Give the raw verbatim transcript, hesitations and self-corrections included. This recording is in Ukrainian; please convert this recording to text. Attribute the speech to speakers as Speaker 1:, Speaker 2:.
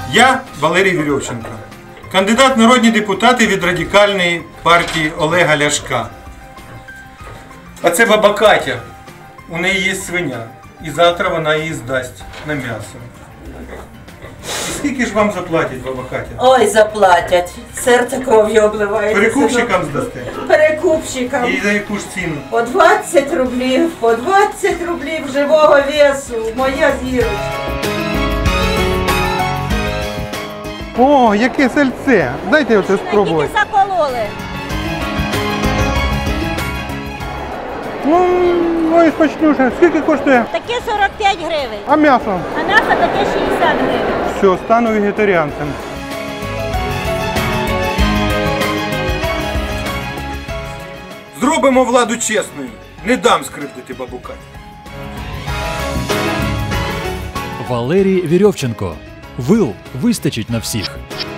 Speaker 1: Я Валерій Вірьовченко, кандидат в народні депутати від Радикальної партії Олега Ляшка. А це баба Катя. У неї є свиня. І завтра вона її здасть на м'ясо. І скільки ж вам заплатять, баба Катя?
Speaker 2: Ой, заплатять. Серце кров'ю обливається.
Speaker 1: Перекупщикам здасте?
Speaker 2: Перекупщикам.
Speaker 1: І за яку ж ціну?
Speaker 2: По двадцять рублів, по двадцять рублів живого весу. Моя зірочка.
Speaker 1: О, яке сальце! Дайте оце спробувати.
Speaker 3: Тільки закололи.
Speaker 1: Ну, ой, смачнюше. Скільки коштує?
Speaker 3: Таке сорок п'ять гривень,
Speaker 1: А м'ясо?
Speaker 3: а м'ясо таке шістдесят гривень.
Speaker 1: Все, стану вегетаріанцем. Зробимо владу чесною. Не дам скривдити бабу Катю.
Speaker 4: Валерій Вірьовченко. Вил вистачить на всіх.